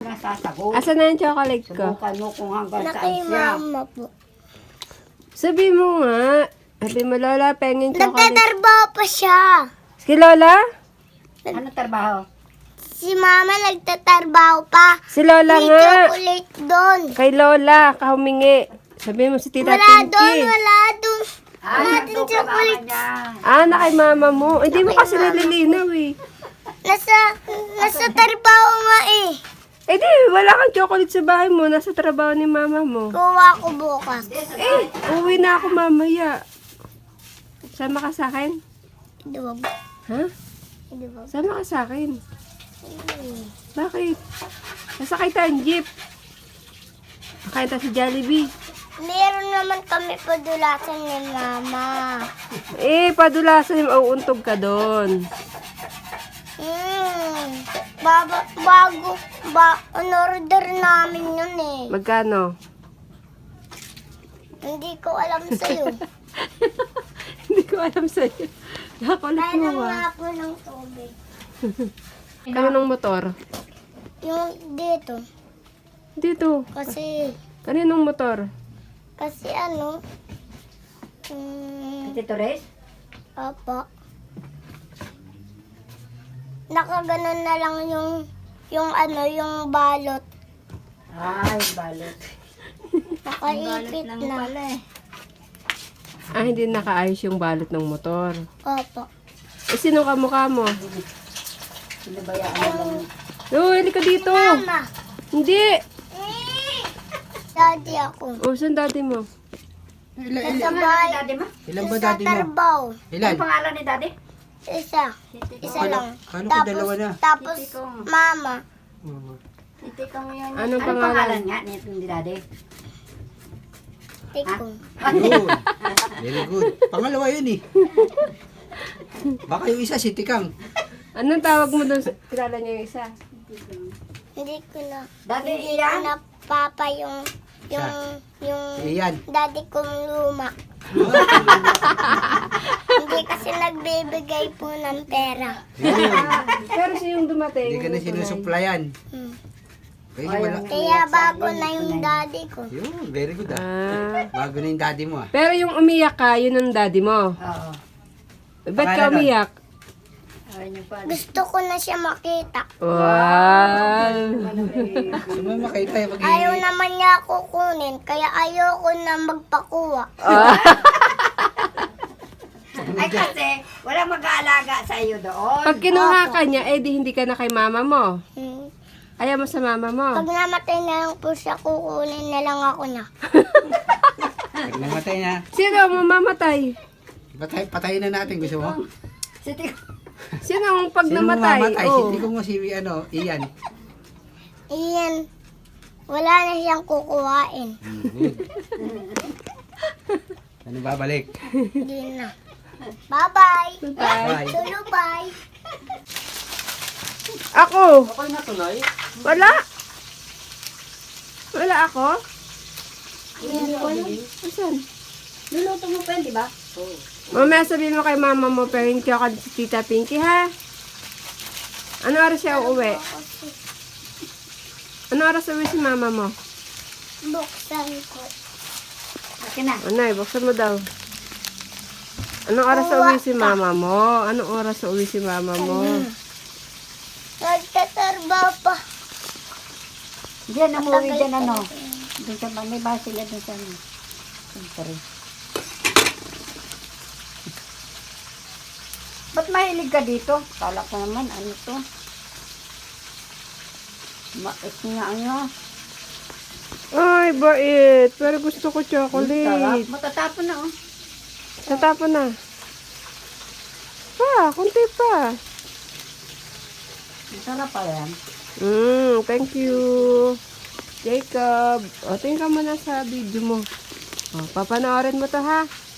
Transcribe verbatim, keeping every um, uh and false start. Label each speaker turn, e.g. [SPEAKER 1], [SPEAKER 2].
[SPEAKER 1] nga sasagot.
[SPEAKER 2] Asa na yung chocolate ko?
[SPEAKER 1] Subukan mo kung hanggang
[SPEAKER 3] Na
[SPEAKER 1] saan
[SPEAKER 3] kay
[SPEAKER 1] siya.
[SPEAKER 3] mama po.
[SPEAKER 2] Sabi mo nga. Sabi mo, Lola, pengin chocolate.
[SPEAKER 3] Nagtatrabaho pa siya.
[SPEAKER 2] Si Lola?
[SPEAKER 1] Ano trabaho?
[SPEAKER 3] Si mama nagtatrabaho pa.
[SPEAKER 2] Si Lola
[SPEAKER 3] May
[SPEAKER 2] nga.
[SPEAKER 3] chocolate doon.
[SPEAKER 2] Kay Lola, kahumingi. Sabi mo si Tita
[SPEAKER 3] Wala doon,
[SPEAKER 2] Pinky.
[SPEAKER 3] wala doon.
[SPEAKER 1] Ah,
[SPEAKER 3] Wala
[SPEAKER 1] nandun
[SPEAKER 3] din
[SPEAKER 1] ka mama
[SPEAKER 3] chocolate.
[SPEAKER 1] niya.
[SPEAKER 2] Ah, na kay mama mo. Hindi mo
[SPEAKER 3] Kay
[SPEAKER 2] kasi
[SPEAKER 3] mama.
[SPEAKER 2] nalilinaw eh.
[SPEAKER 3] Nasa, nasa trabaho nga eh.
[SPEAKER 2] Eh di, wala kang chocolate sa bahay mo. Nasa trabaho ni mama mo.
[SPEAKER 3] Kuha ko bukas.
[SPEAKER 2] Eh, uwi na ako mamaya. Sama ka sa akin?
[SPEAKER 3] Di ba?
[SPEAKER 2] Ha?
[SPEAKER 3] Di ba?
[SPEAKER 2] Sama ka sa akin. Bakit? Nasakay tayong jeep. Nakain tayo sa Jollibee.
[SPEAKER 3] Meron naman kami padulasan ni mama.
[SPEAKER 2] Eh, padulasan yung mauuntog ka doon.
[SPEAKER 3] Hmm. Baba, bago, ba, on-order namin yun eh.
[SPEAKER 2] Magkano?
[SPEAKER 3] Hindi ko alam sa'yo.
[SPEAKER 2] Hindi ko alam sa'yo. Nakakulit
[SPEAKER 3] Kaya
[SPEAKER 2] mo
[SPEAKER 3] nang
[SPEAKER 2] ba?
[SPEAKER 3] nga po ng tubig.
[SPEAKER 2] Kaninong motor?
[SPEAKER 3] Yung dito.
[SPEAKER 2] Dito.
[SPEAKER 3] Kasi,
[SPEAKER 2] Kaninong motor?
[SPEAKER 3] kasi ano, hmm,
[SPEAKER 1] Tito Rez?
[SPEAKER 3] apa. Nakaganon na lang yung, yung ano, yung balot.
[SPEAKER 1] Ay, balot.
[SPEAKER 3] Nakaipit
[SPEAKER 1] lang
[SPEAKER 3] na.
[SPEAKER 1] pala eh.
[SPEAKER 2] Ah, hindi nakaayos yung balot ng motor.
[SPEAKER 3] Opo.
[SPEAKER 2] Eh, sino ka mukha mo?
[SPEAKER 1] Sinabayaan na lang.
[SPEAKER 2] No, hindi ka dito.
[SPEAKER 3] Mama.
[SPEAKER 2] Hindi.
[SPEAKER 3] Daddy ako.
[SPEAKER 2] Oh, saan dati mo?
[SPEAKER 1] Ilan,
[SPEAKER 3] Sa
[SPEAKER 1] ilan
[SPEAKER 3] bahay.
[SPEAKER 1] ni daddy mo?
[SPEAKER 4] Ilan ba
[SPEAKER 3] Sa
[SPEAKER 4] daddy mo?
[SPEAKER 3] trabaho.
[SPEAKER 4] Ilan?
[SPEAKER 1] Ano pangalan ni daddy?
[SPEAKER 3] Isa. Isa
[SPEAKER 4] Paano-
[SPEAKER 3] lang.
[SPEAKER 4] paano kung dalawa na?
[SPEAKER 3] Tapos,
[SPEAKER 1] Titi ko.
[SPEAKER 3] mama.
[SPEAKER 1] Titi kong yun.
[SPEAKER 2] Anong
[SPEAKER 1] Anong
[SPEAKER 2] pangalan?
[SPEAKER 1] pangalan nga ni ni daddy?
[SPEAKER 3] Tikong.
[SPEAKER 4] Yun. Very good. Pangalawa yun eh. Baka yung isa si Tikang.
[SPEAKER 2] Anong tawag mo doon? sa- Kilala niya yung isa.
[SPEAKER 3] Hindi ko na.
[SPEAKER 1] Daddy
[SPEAKER 3] Hindi ko
[SPEAKER 1] Ian?
[SPEAKER 3] na papa yung, yung, yung
[SPEAKER 4] Si Ian.
[SPEAKER 3] daddy kong luma. Hindi kasi nagbibigay po ng pera.
[SPEAKER 4] Yun.
[SPEAKER 2] Pero siya yung dumating.
[SPEAKER 4] Hindi ka na sinusuplayan.
[SPEAKER 3] Hmm.
[SPEAKER 4] Kasi
[SPEAKER 1] Ay,
[SPEAKER 4] wala.
[SPEAKER 1] ang-
[SPEAKER 3] Kaya bago na yung daddy ko.
[SPEAKER 4] Yun, very good ah.
[SPEAKER 2] Ah.
[SPEAKER 4] Bago na yung daddy mo ah.
[SPEAKER 2] Pero yung umiyak ka, yun ang daddy mo.
[SPEAKER 1] Oo.
[SPEAKER 2] Ba't ka
[SPEAKER 4] Pangalan nun?
[SPEAKER 2] umiyak?
[SPEAKER 1] Ay, yung pala.
[SPEAKER 3] Gusto ko na siya makita.
[SPEAKER 2] Wow.
[SPEAKER 4] Gusto mo makita yung pag
[SPEAKER 3] Ayaw naman niya ako kunin, kaya ayoko na magpakuha.
[SPEAKER 1] Ay kasi, walang mag-aalaga sa iyo doon.
[SPEAKER 2] Pag kinuha ka niya, eh di hindi ka na kay mama mo.
[SPEAKER 3] Hmm.
[SPEAKER 2] Ayaw mo sa mama mo.
[SPEAKER 3] Pag namatay na lang po siya, kukunin na lang ako niya.
[SPEAKER 4] Pag namatay na,
[SPEAKER 2] Sino ang mamamatay?
[SPEAKER 4] patay, patayin na natin. Gusto mo?
[SPEAKER 1] Si Tito.
[SPEAKER 2] Sino ang pag
[SPEAKER 4] Sino mo
[SPEAKER 2] namatay?
[SPEAKER 4] mamatay? Si
[SPEAKER 2] Oh.
[SPEAKER 4] Tikong mo si ano, Ian.
[SPEAKER 3] Iyan, wala na siyang kukuhain.
[SPEAKER 4] Hmm, good. Ano babalik?
[SPEAKER 3] Hindi na. Bye-bye.
[SPEAKER 4] Bye.
[SPEAKER 3] Tulo, bye.
[SPEAKER 2] Ako.
[SPEAKER 4] Okay na tuloy.
[SPEAKER 2] Wala. Wala ako. Asan?
[SPEAKER 1] Luluto mo pa yun, di ba?
[SPEAKER 2] Mamaya sabihin mo kay mama mo, pero hindi ako si Tita Pinky, ha? Ano oras siya uuwi? Ano oras uuwi si mama mo?
[SPEAKER 3] Buksan ko.
[SPEAKER 1] Akin na.
[SPEAKER 2] Ano, buksan mo daw. Anong oras uuwi si mama mo? Anong oras uuwi si mama mo?
[SPEAKER 3] Nagtatrabaho pa.
[SPEAKER 1] Diyan, umuwi dyan ano. Doon sa, may bahay sila doon sa ano. Siyempre. Ba't mahilig ka dito? Kala ko naman, ano to? Mais nga ano.
[SPEAKER 2] Ay, bait. Pero gusto ko
[SPEAKER 1] Sarap.
[SPEAKER 2] chocolate.
[SPEAKER 1] Matatapon na oh.
[SPEAKER 2] Tatapon na. Pa, kunti pa.
[SPEAKER 1] Sarap pa yan.
[SPEAKER 2] Mm, thank you. Jacob. O, tingin ka muna sa video mo. O, papanoorin mo to, ha?